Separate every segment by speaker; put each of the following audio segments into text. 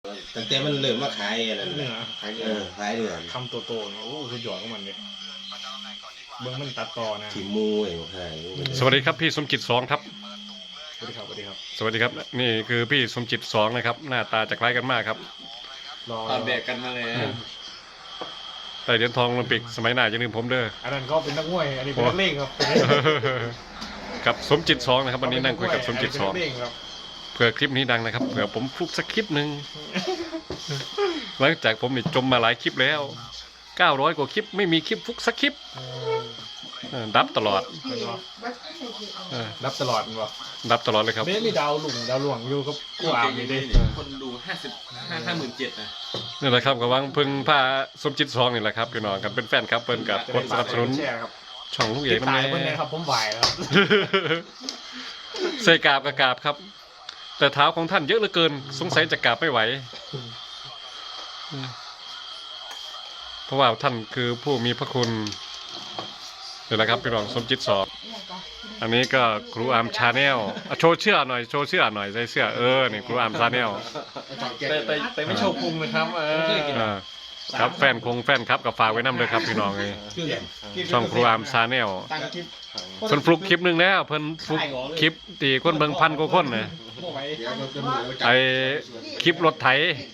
Speaker 1: ตั้งแต่มันเริ่มมาขายอะไร
Speaker 2: เนื้อ
Speaker 1: ขายเนื้อ
Speaker 2: คำโตๆเนี่ยโอ้คือหยอดของมันเลยเบื้องมันตัดต่อนะ
Speaker 1: ที่มูไอ้ขาย
Speaker 3: สวัสดีครับพี่สมจิต2ครับ
Speaker 2: สวัสดีครับสวัสดีครับ
Speaker 3: สวัสดีครับนี่คือพี่สมจิต2นะครับหน้าตาจะคล้ายกันมากครับ
Speaker 2: รอ
Speaker 4: ตอนแบกกันมาเลย
Speaker 3: แต่เหรียญทองโอลิมปิกสมัยหน้าอย่าลืมผมเด้อ
Speaker 2: อันนั้นก็เป็นนักมวยอันนี้เป็นนักเลงครับ
Speaker 3: กับสมจิต2นะครับวันนี้นั่งคุยกับสมจิต
Speaker 2: อันนี้เป็นนักเลงครับ
Speaker 3: 2เผื่อคลิปนี้ดังนะครับเผื่อผมฟลุกสักคลิปหนึ่งหลังจากผมนี่จมมาหลายคลิปแล้ว900กว่าคลิปไม่มีคลิปฟลุกสักคลิปดับตลอด
Speaker 2: รับตลอดมันวะ
Speaker 3: ดับตลอดเลยครับ
Speaker 2: ไม่มีดาวหลวงอยู่กับกูอ่านนี่ดิ
Speaker 4: คนดู57,000นะ
Speaker 3: นี่แหละครับกำลังพึ่งพาสมจิต2นี่แหละครับพี่น้องครับเป็นแฟนครับเปิ้นกับกดสนับสนุน
Speaker 2: แชร์ครับ
Speaker 3: ช่องลูกเอ
Speaker 2: ติ
Speaker 3: ก
Speaker 2: ด
Speaker 3: น้ำ
Speaker 2: ตาย
Speaker 3: แน่
Speaker 2: เพื่อนนะครับผมไหวครับ
Speaker 3: ใส่กราบกับกราบครับ แต่เท้าของท่านเยอะเหลือเกินสงสัยจะกราบไม่ไหวเพราะว่าท่านคือผู้มีพระคุณเดี๋ยวนะครับพี่รองสมจิต2อันนี้ก็ครูอาร์มชาแนลโชว์เสื้อหน่อยโชว์เสื้อหน่อยใส่เสื้อนี่ครูอาร์มชาแนล
Speaker 2: แต่ไม่โชว์พุงนะครับ
Speaker 3: ครับแฟนครับกับฝากไว้นำเลยครับพี่น้องเลยช่องครูอาร์มชาแนลเพิ่นฟลุกคลิปหนึ่งแล้วเพิ่นฟลุกคลิปตีคนเบิ่งพันกว่าคนนะไอคลิปรถไถ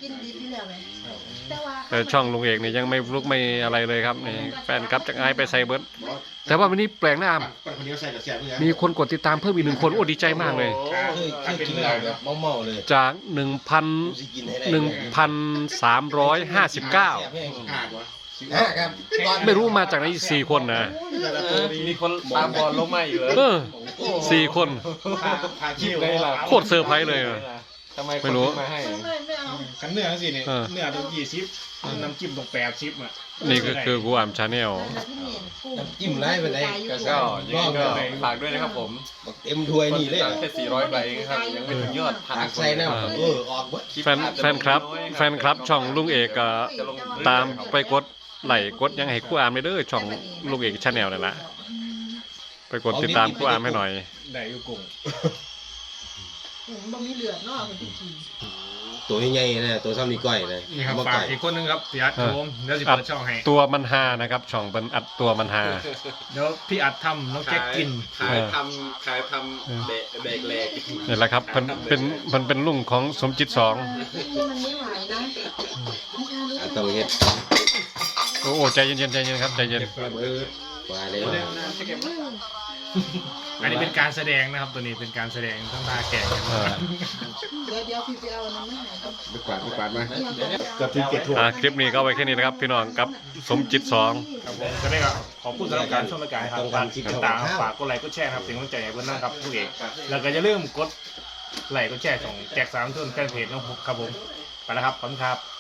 Speaker 3: แต่ช่องลุงเอกนี่ยังไม่ฟลุกไม่อะไรเลยครับนี่แฟนครับจากไอไปใส่เบิร์ดแต่ว่าวันนี้แปลงหน้ามีคนกดติดตามเพิ่มอีก1 คนโอ้ดีใจมากเลย
Speaker 1: เคยกินเหล้าแบบเมาเลย
Speaker 3: จาก1,359
Speaker 1: ครับ
Speaker 3: ไม่รู้มาจากไหน4 คนนะ
Speaker 4: มีคนตามบอลลงมาอยู่เลย
Speaker 3: 4 คน
Speaker 4: คลิปเลยล่ะ
Speaker 3: โคตรเซอร์ไพรส์เลยอะ
Speaker 4: ทำไม
Speaker 3: ไม่รู้
Speaker 4: มาให้
Speaker 2: ขันเนื้อสิเนี่ยเนื้อต้อง20น้ำจิ้มต้อง80อ่ะ
Speaker 3: นี่ก็คือกูอามชาแนล
Speaker 1: จิ้มไล่ไปเลย
Speaker 4: ก็ยังไงก็ฝากด้วยนะครับผม
Speaker 1: เต็มถ้วยนี่เลย
Speaker 4: แค่400ใบเองครับยังไม่ถึงยอดพัน
Speaker 1: ตักใส่แนวออกเบิด
Speaker 3: แฟนครับช่องลุงเอกก็ตามไปกดไลค์กดยังให้กูอามไปเด้อช่องลุงเอกชาแนลนั่นแหละไปกดติดตามกูอามให้หน่อย
Speaker 2: ได้อยู่กุ้ง
Speaker 5: บ่มีเหลือเนาะมันที่กิน
Speaker 1: ตัวใหญ่ๆนะตัวซ้ำนี่ก้อยนะ
Speaker 2: นี่ครับ
Speaker 1: มา
Speaker 2: ฝาก
Speaker 1: ไก่
Speaker 2: อีกคนนึงครับพี่อัดครับผมเดี๋ยวจะ
Speaker 3: อัด
Speaker 2: เปิดช่องให้
Speaker 3: ตัวมันฮานะครับช่องเป็นอัดตัวมันฮา
Speaker 2: เดี๋ยวพี่อัดทำน้องแจ็คกิน
Speaker 4: ขายทำแบกแหลก
Speaker 3: นี่แหละครับเป็นลุงของสมจิต2
Speaker 5: มันไม่ไหวนะ
Speaker 1: ต้องเฮ็ด
Speaker 3: โอ้ใจเย็นครับใจเย็น
Speaker 1: ว่าเลย
Speaker 2: อันนี้เป็นการแสดงนะครับตัวนี้เป็นการแสดงทั้งตาแก่กัน
Speaker 5: เดี๋ยวพี่ไปเอาน้ำมันไหนก็
Speaker 1: ไปกวาดมา
Speaker 2: เกือบถึงเก็บถั่ว
Speaker 3: คลิปนี้ก็เอาไว้แค่นี้นะครับพี่น้องกับสมจิต2
Speaker 2: ครับผมจะได้ครับขอบคุณสำหรับการชมรายการครับฝากติดตามฝากกดไลค์กดแชร์ครับเป็นกำลังใจให้เพื่อนนะครับผู้เอกแล้วก็อย่าลืมกดไลค์กดแชร์ของแจ็ค3 ทุ่นแฟนเพจน้องครับผมไปแล้วครับขอบคุณครับ